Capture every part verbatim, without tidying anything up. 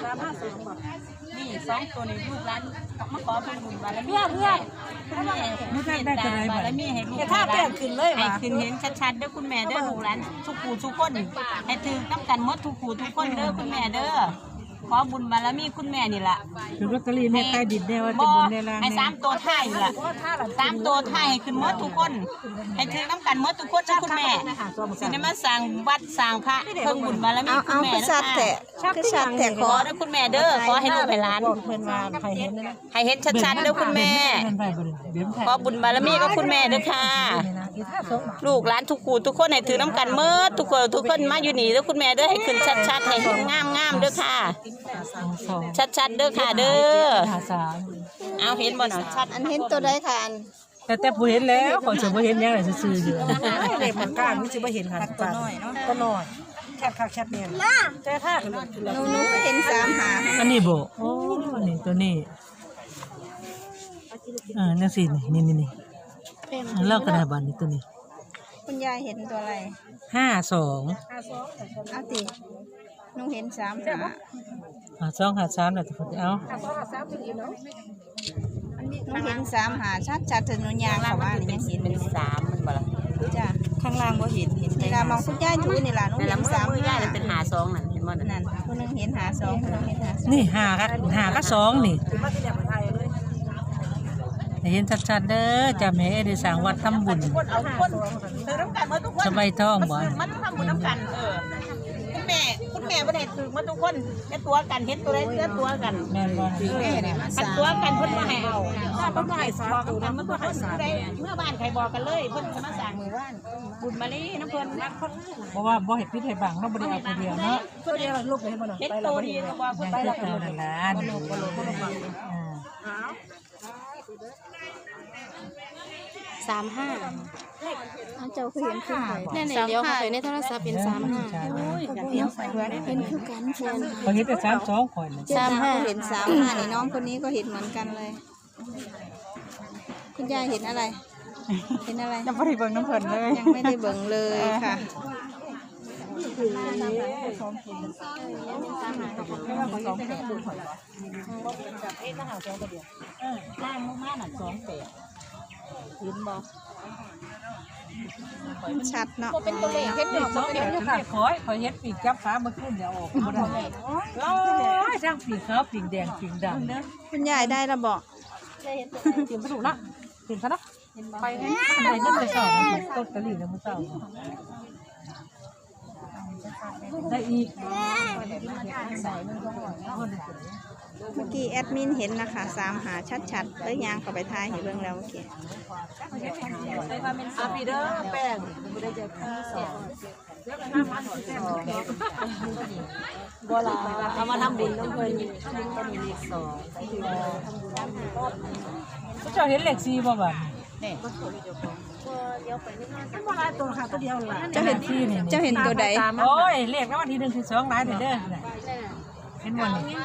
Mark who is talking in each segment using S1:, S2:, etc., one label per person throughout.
S1: นี่สองตัวนี้ลูกร้านมาขอเป็นบุญบารมีเพื่อนคุณแม่ไม่ได้ได้ตัวไหนบารมีให้ลูกถ้าเปลี่ยนขึ้นเลยให้ขึ้นเห็นชัดๆเด้อคุณแม่เด้อลูกร้านทุกผู้ทุกคนให้ถือต้องกันหมดทุกผู้ทุกคนเด้อคุณแม่เด้อขอบุญบารมีคุณแม่นี่แหละ
S2: คือลอตเตอรี่แม่ใต้ดินได้ว่าจะบุญได้ละ
S1: ให้สามตัวท้ายนี่แหละสามตัวท้ายให้ขึ้นหมดทุกคนให้ถือต้องกันหมดทุกคนนะคุณแม่สิได้มาสร้างวัดสร้างพระเพิ่งบุญบารมีคุณแม่นะคะคือชัดแต่ขอเด้อคุณแม่เด้อขอให้ลูกให้หลานให้เห็นชัดๆเด้อคุณแม่ขอบุญบารมีกับคุณแม่เด้อค่ะลูกหลานทุกคู่ทุกคนให้ถือน้ำกันเมื่อทุกคนทุกคนมาอยู่นี่เด้อคุณแม่เด้อให้ขึ้นชัดๆให้เห็นงามๆเด้อค่ะชัดๆเด้อค่ะเด้อเอาเห็นบ่เนาะชัด
S3: อันเห็นตัวใดค่ะอัน
S2: แต่แต่ผู้เห็นแล้วขอจะผู้เห็นยังไงซื่อๆอยู่
S4: เล็กมันกลางไม่ใช่ว่าเห็นค่ะตัวน้อยเนาะตัวน้อยแคบคักแคบเนี่ยแต่ถ้า
S3: หนูหนูเห็นสามหา
S2: อันนี้บ่โอ้นี่ตัวนี้อ่านั่นสินี่นี่นี่เลิกกันได้บ้านนี้ตัวนี้
S3: คุณยายเห็นตัวอะไร
S2: ห้าสอง
S3: เอาติหนูเห็นสามหา
S2: ห้าสองห้าสามแหละทุกคนเอา
S3: หนูเห็นสามหาชัดชัดถึงหนูยางค่ะว่ายังเห็น
S1: เป็นสามมันบ่ล่ะ
S3: จ้ะ
S4: ข้างล่างบ่เห็นเห็น
S3: เวลามองคุณยายดูนี่ล่ะหนูเห็นสาม
S1: หาเป็นหาสองนั่นเห็นบ่
S3: นั่นคนนึงเห็นหาสองคนนึงเห็นหา
S2: นี่หาก็หาก็สองนี่เห็นชัดๆเด้อจะแม่ได้สร้างวัดทำบุญสบายท้องบ่
S1: มันทำบุญน้ำกันเออคุณแม่คุณแม่บ่ได้ถือมาทุกคนเฮ็ดตัวกันเฮ็ดตัวใดเฮ็ดตัวกัน
S2: แม่นบ่
S3: แม่เนี่ย
S1: อันตัวกันเพิ่นมาให้เอาถ้าเพิ่นบ่ให้สอนกันมันบ่ให้สอนเมื่อบ้านใครบอกกันเลยเพิ่นมาสร้างหมู่บ้านบุญมาลีน้ำเพิ่นรักคน
S2: เพราะว่าบ่เฮ็ดพิธีบังเนาะบ่ได้เอาคนเดียวเนาะ
S4: ตัวเดียวลูกเห็นบ่เนาะ
S1: เฮ็ดตัวดีก็บ่เพิ่นไปแล้ว
S2: นั่นล่ะอ่า
S5: สามห้า
S3: เจ้าคือเห็นคือใคร
S5: แน่ๆเดี๋ยวเขาไปในโทรศัพท์เป็นสามห้า
S3: เห็นเห็นคือกันเช่น
S2: เขาเห็นแต่สามสองคน
S3: สามห้าเห็นสามห้านี่น้องคนนี้ก็เห็นเหมือนกันเลยคุณยายเห็นอะไรเห็นอะไร
S4: ยังไม่ได้เบิ่งน้ำเพิ่นเลย
S3: ยังไม่ได้เบิ่งเลยค่ะ
S1: ล่างมากๆน่ะสองแปดเห็นบ่
S3: ชัดเนาะ
S1: เป็นตัวเลขเฮ็ดดอกบ่เป็นอยู่
S2: ค่ะขอยขอยเฮ็ดปีกจับฟ้ามาขึ้นเดี๋ยวออกบ่ได้โอ้ยทั้งปีกขาวปีกแดงปีกดำ
S3: คุณยายได้ระบอก
S2: เตรียมถูกละเตรียมซะเนาะไปไปนั่นไปสอบต้นกะหรี่น้ำมันเศร้าได้อีก
S3: เมื่อกี้แอดมินเห็นนะคะสามหาชัดๆเลยยางเข้าไปทายเห็นเบื้องแล้วเมื่อกี้
S1: อาปีเดอร์แป้งบ่ได้จะที่สองบ่ล่ะเอามาทำบุญน้ำเพิ่นก็มีเลขสอง
S2: เจ้าเห็นเลขสี่บ่บัด
S1: นี่
S3: เจ้าเห็นเจ้าเห็นตัวใด
S2: โอ้ยเลขแล้ววันที่หนึ่งที่สองหลายเด้อเด้อเห็นบ่นี่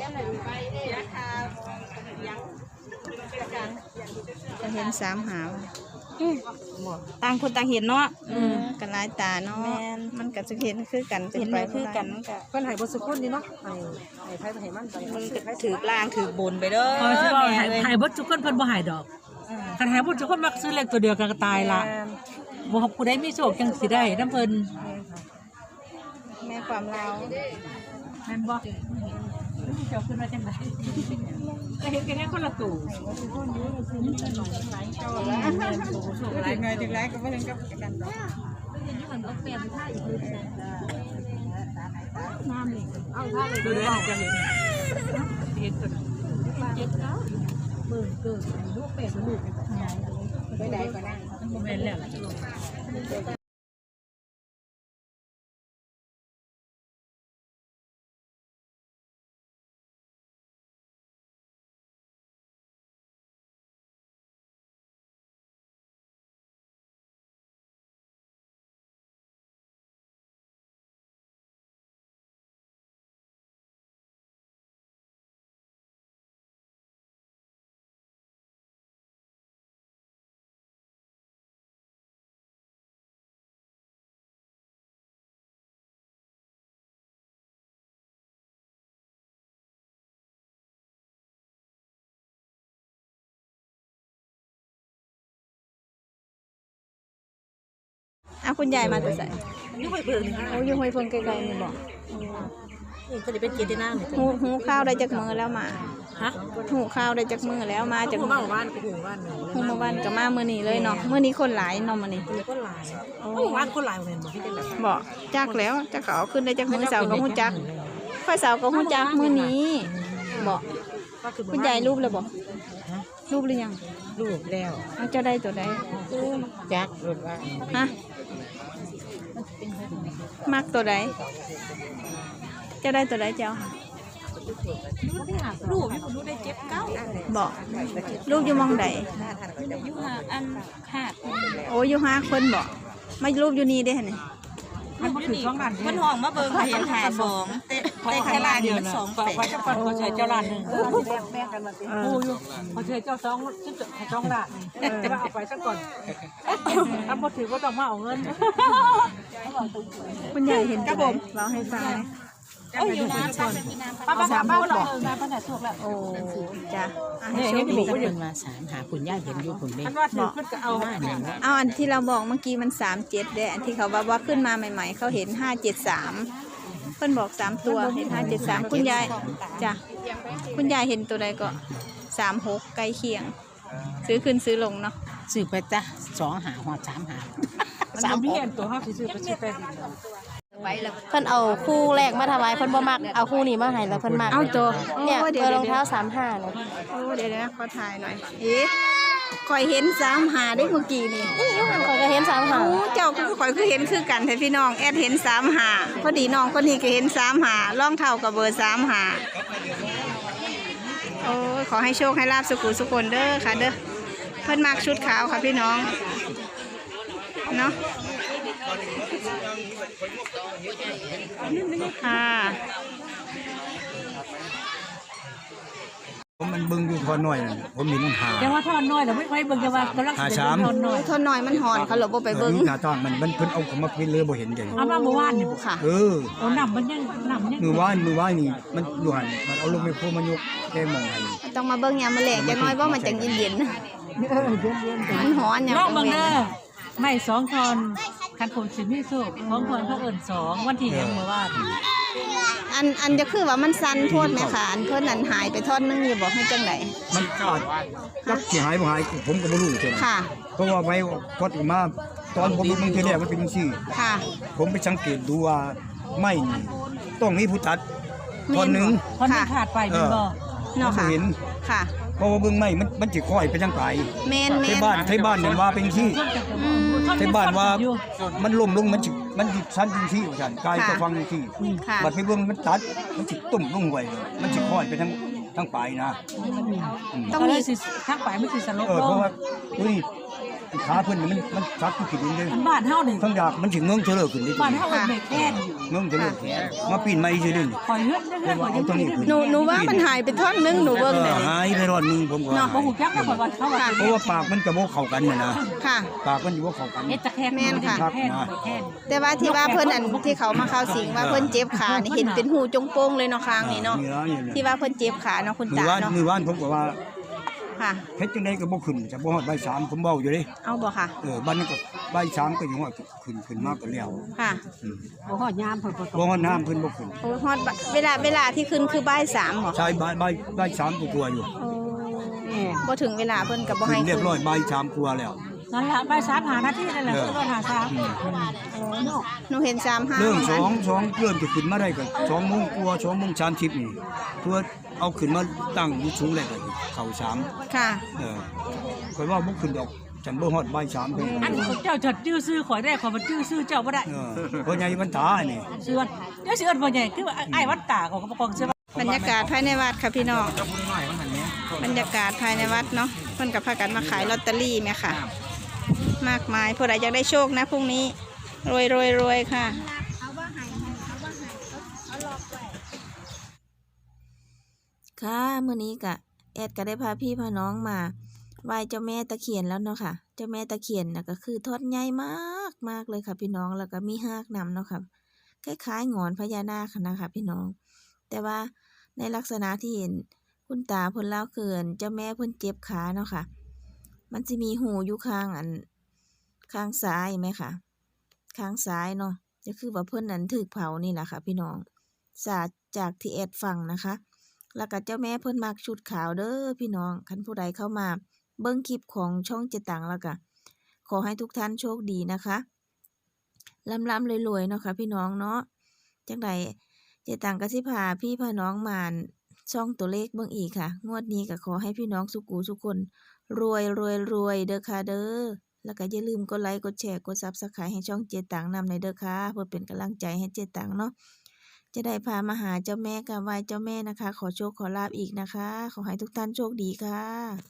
S3: จะเห็นสามหา
S4: ต่างคนต่างเห็นเนาะ
S3: อืมกันหลายตาเนาะมันก็จะเห็นคือกัน
S4: เห็นคือกันเพิ่นให้บ่สุคนนี่เนาะให้ให้ไผให้มันมันถือล่างถือบนไปเด้อ
S2: เออสิว่าให้ให้บ่ทุกคนเพิ่นบ่ให้ดอกคันให้บ่ทุกคนมักซื้อเลขตัวเดียวกันก็ตายละบ่ผู้ใดมีโชคจังสิได้นำเพิ่น
S3: แม่ความเรา
S2: แม่นบ่เจ้าขึ้นมาจังได๋ก็เห็นกันแค่คนละตู่
S4: หลายหน่อยถึงหลายก็บ่ถึงกับกันดอก
S2: ดูได้จะเห็นเห็นตัวเจ็ดแล้วหมื่นเกินลูกเป็ดลูกไปไหนก็ได้มันโมเมนต์แล้ว
S3: อ่ะคุณยายมาแต่ใส่
S2: นี่ไปเพิ่งนี่ค่ะ
S3: โอ้ยห้วยเพิ่งไกลๆนี่บอก
S2: นี่ก็จะเป็นเกียรตินางนี่
S3: หูหูข้าวได้จากมือแล้วมา
S2: ฮะ
S3: หูข้าวได้จากมือแล้วมาจาก
S2: หูมาบ้านไปหูบ้านนึง
S3: หูมาวันกับมามื้อนี้เลยเนาะมื้อนี้คนหลายเนาะมื้อนี้
S2: มีคนหลายหูบ้านคนหลายเหมือนบ่ที่เป็นแบบ
S3: บอกจักแล้วจักเขาเอาขึ้นได้จากมือเสาร์ก็ฮู้จักค่อยเสาร์ก็ฮู้จักมื้อนี้บอกคุณยายรูปแล้วบอกรูปหรือยัง
S2: ลูกแล้ว
S3: เอาเจ้าได้ตัวใด
S2: จักรถว่า
S3: ฮะมักตัวใดเจ้าได้ตัวใดเจ้า
S1: ลูกให้ผมรู้ได้เจ็บเก้า
S3: บอกลูกอยู่หมองใด
S1: อยู่หาอันขาด
S3: โอ้อยู่ห้าคนบอกมารูปอยู่นี่ได้ไหน
S2: มันบ่ถึงสองล้าน
S1: มันห้องมาเบิ่งเห็นหาสองเตะเตะตลาดมันสองแปด
S2: ไว้จะปันเขาใช้เจ้าล้านนึงปูอยู่เขาใช้เจ้าสองชิ้นสองล้านจะเอาไปซะก่อนถ้าบ่ถือก็ต้องมาเอาเงิน
S3: คุณยายเห็นตัวใดเราให้ฟังไหม
S1: โอ้ยอยู่น้ำปั๊บมีน้ำ
S2: ป้าป้าถามป้าเราเอองานป้าแต่ถูกแล้ว
S3: โอ้จ้ะอ่ะให้
S2: เนี่ย
S3: โช
S2: เห็น
S3: ค
S2: มี
S3: ดี
S2: คนอื่น
S6: มาสามหาคุณย่าเห็นอยู่คุณแม่
S2: อันว่าถือขึ้นก็เอา
S3: เอาอันที่เราบอกเมื่อกี้มันสามเจ็ดเด้อันที่เขาว่าว่าขึ้นมาใหม่ ๆ เขาเห็นห้าเจ็ดสามเพิ่นบอกสามตัวเห็นห้าเจ็ดสามคุณยายจ้ะคุณยายเห็นตัวใดก็สามหกใกล้เคียง ซื้อขึ้นซื้อลงเนาะ
S6: ซื้อไปจ้ะสองหาหัวสามหา
S2: สามพี่เห็นตัวห้าซื้อไปซื้อไป
S5: เพิ่นเอาคู่แรกมาถวายเพิ่นบ่มักเอาคู่นี้มาให้แล้วเพิ่นมัก
S3: เอาตัว
S5: เนี่ย
S3: โอ้
S5: เบอร์รองเท้าสามห้าเนี่ย
S3: โอ้เดี๋ยวนะขอถ่ายหน่อยเอ๊ะคอยเห็นสามหาได้เมื่อกี้นี่
S5: นี่อยู่มันก็เห็นสามห้า
S3: โอ้เจ้าก็คอยคือเห็นคือกันแต่พี่น้องแอดเห็นสามหาพอดีน้องคนนี้ก็เห็นสามหาล่องเท่ากับเบอร์สามหาโอ้ยขอให้โชคให้ลาบสุขุสุคนเด้อค่ะเด้อเพิ่นมักชุดขาวค่ะพี่น้องเนาะค่ะ
S7: ผมมันเบิ่งอยู่ทอนน้อยนั่นผมเห็นหา
S2: ยังว่าทอนน้อยแล้วไม่ไว้เบิ่งจะว่ากำลังทอนน้อย
S3: ทนหน่อยมันหอนเขาหลบไปเบิ้ง
S7: หน้าตอนมันมันเพิ่นเอาของมาพินเลยบ่เห็นจัง
S2: เอามาเมื่อวานนี่
S3: ค่ะ
S7: เออ
S2: โอ้นำมันยังนำยัง
S7: มือว่านมือว่านนี่มันอยู่หันมันเอาลงไปโพมันยกแก้มองให้
S3: ต้องมาเบิ้งยามมาแหลกจังน้อยว่ามันจังเย็นๆมันหอนอย่าง
S2: น้องบังเด้อไม่สองทอนคันผมสิมีสุกของทอนเขาเอิ้นสองวันที่ยังเมื่อวาน
S3: อันอันจะคือว่ามันสั้นโทษไหมคะอันเพิ่นนั่นหายไปทอดนึงอยู่บอกให้จังได
S7: มันขาดจักสิหายบ่หายผมก็บ่รู้จัง
S3: ค่ะ
S7: เพราะว่าไว้พอดมาตอนผมเบิ่งทีแรกมันเป็นจังซี่
S3: ค่ะ
S7: ผมไปสังเกตดูว่าไม่นี่ต้องมีผู้ตัดตอนหนึง
S2: เพราะมันขาดไปเป็นบ่
S3: เนาะ
S7: บ่
S3: ค่ะ
S7: เห็น
S3: ค่ะ
S7: เพราะว่าเบิ่งไม่มันมันสิค่อยไปจังไกล
S3: แมนแม
S7: ที่
S3: น
S7: บ้านที่บ้านเนี่ยว่าเป็นที่
S3: อืม
S7: ที่บ้านว่ามันล่มลงมันสิมันสิชั้นจังซี่ว่าซั่นกายก็
S3: ค่ะ
S7: ฟังจังซี่
S3: ค่ะ
S7: บัดไปเบิ่งมันตัดมันสิตุ่มลงไว้มันสิค่อยไปทั้งทั้งปลายนะอืม
S3: ต้อง
S2: ก็เล
S3: มี
S2: ยสิทั้งไปไม่สิสลบ
S7: เออ
S2: ล
S7: เพ
S2: ง
S7: ราะว่าอุ้ยขาเพิ่นนี่มันมันซักที่ผิดเลย
S2: มันบ้านเฮานี่
S7: ทั้งดากมันสิเงื้องเฉลิขึ้นได้
S2: บ้านเฮามันไม่แค่นอยู่
S7: เงื้องเฉลิแขนมาปีนไม้ซื่อๆ
S2: คอยเฮือนเฮือน
S7: เอาตัวนี้ขึ้น
S3: หนูหนูว่ามันหายไปทอดนึงหนู
S7: เอ
S3: เบิ้งเลย
S7: อหายไปรอดนึงผมก็
S3: เนาะ
S2: บ่ฮู้จักก็บ่ว่าเขาว่า
S7: เพราะว่าปากมันก็บ่เข้ากันน่ะนะ
S3: ค่ะ
S7: ปากมันอยู่บ่เข้ากัน
S2: เฮ็ดตะแคงแค่นแค่น
S3: แต่ว่าที่ว่าเพิ่นอันที่เขามาเข้าสิงว่าเพิ่นเจ็บขานี่เห็นเป็นหูจงโป้งเลยเนาะคางนี่เนาะ
S7: นี่ล่ะนี่ล่ะ
S3: ที่ว่าเพิ่นเจ็บขาเนาะคุณ
S7: มือ
S3: ตา
S7: ว่าน
S3: เนาะ
S7: มือว่านผมก็ว่า
S3: ค่ะ
S7: เฮ็ดจังได๋ก็บ่ขึ้นจะบ่ฮอดบ่ายสามผมเว้าอยู่เด้
S3: เอาบ่ค่ะ
S7: เออบ้านนั้นก็บ่ายสามก็อยู่ว่าขึ้นขึ้นมากก็แล้ว
S3: ค่ะ
S7: อืม
S2: บ่ฮอดยามเพิ่นบ่
S7: บ่ฮอดน้ำเพิ่นบ่ขึ้น
S3: โอ้ยฮอดบะเวลาเวลาที่ขึ้นคือบ่ายสามเหรอ
S7: ใช่บ่ายบ่ายบ่ายสามกว่าๆอยู่
S3: โอ้บ่ถึงเวลาเพิ่นก็บ่
S7: ขึ้
S3: ให้
S7: นเรี
S3: ขึ้
S7: ย
S3: น
S7: บร้อยบ่ายสามกว่าแล้ว
S2: นั่นล่ะบ่ายสามหานาทีนั่นแหละคือรถหาสาม
S7: อืม
S3: หนูเห็นสามห้า
S7: เริ่ม
S3: เห
S7: ส
S3: มื
S7: อ
S3: อน
S7: ง
S3: กัน
S7: สองเริ่มจะขึ้นมาได้ก็สองโมงกว่าสองโมงสามสิบนี่เพื่อเอาขึ้นมาตั้งอยู่สูงเลยก็เข้าสาม
S3: ค่ะ
S7: เออข่อยว่าบ่ขึ้นดอกฉันบ่ฮอดบ่ายสามเพิ่น
S2: อันเจ้าจดชื่อซื้อข่อยได้ข่อยบ่ชื่อซื้อเจ้าบ่ได้
S7: เออเพราะใหญ่มันตานี่
S2: ซื้อวันเดี๋ยวสิเอิ้นบ่ใหญ่คือว่าไอ้วัดตาของกระปองเสื้อบ
S3: รรยากาศภายในวัดค่ะพี่น้องบรรยากาศภายในวัดเนาะเพิ่นก็พากันมาขายลอตเตอรี่แม่ค่ะ มากมายผู้ใดอยากได้โชคนะพรุ่งนี้รวยรวยรวยค่ะ ค่ะมื้อนี้กะแอดก็ได้พาพี่พาน้องมาไหว้เจ้าแม่ตะเคียนแล้วเนาะค่ะ เจ้าแม่ตะเคียนน่ะก็คือทอดใหญ่มากมากเลยค่ะพี่น้องแล้วก็มีหากนำเนาะค่ะคล้ายๆหงอนพญานาคนะคะพี่น้อง แต่ว่าในลักษณะที่เห็นคุณตาเพิ่นเล่าเกินเจ้าแม่เพิ่นเจ็บขาเนาะค่ะ มันจะมีหูอยู่ข้างอันข้างซ้ายไหมคะข้างซ้ายเนาะก็คือว่าเพิ่นนั้นถูกเผานี่ล่ะค่ะพี่น้องสาดจากที่แอดฟังนะคะ แล้วก็เจ้าแม่เพิ่นมักชุดขาวเด้อพี่น้องคันผู้ใดเข้ามาเบิ่งคลิปของช่องเจตังแล้วก็ขอให้ทุกท่านโชคดีนะคะร่ำๆรวยๆเนาะค่ะพี่น้องเนาะจังไดเจตังก็สิพาพี่พาน้องมาช่องตัวเลขเบิ่งอีกค่ะงวดนี้ก็ขอให้พี่น้องสุขุทุกคนรวยรวยรวยเด้อค่ะเด้อแล้วก็อย่าลืมกดไลค์กดแชร์กด ซับสไครบ์ ให้ช่องเจตังนำในเด้อค่ะเพื่อเป็นกำลังใจให้เจตังเนาะจะได้พามาหาเจ้าแม่กับไหว้เจ้าแม่นะคะขอโชคขอลาภอีกนะคะขอให้ทุกท่านโชคดีค่ะ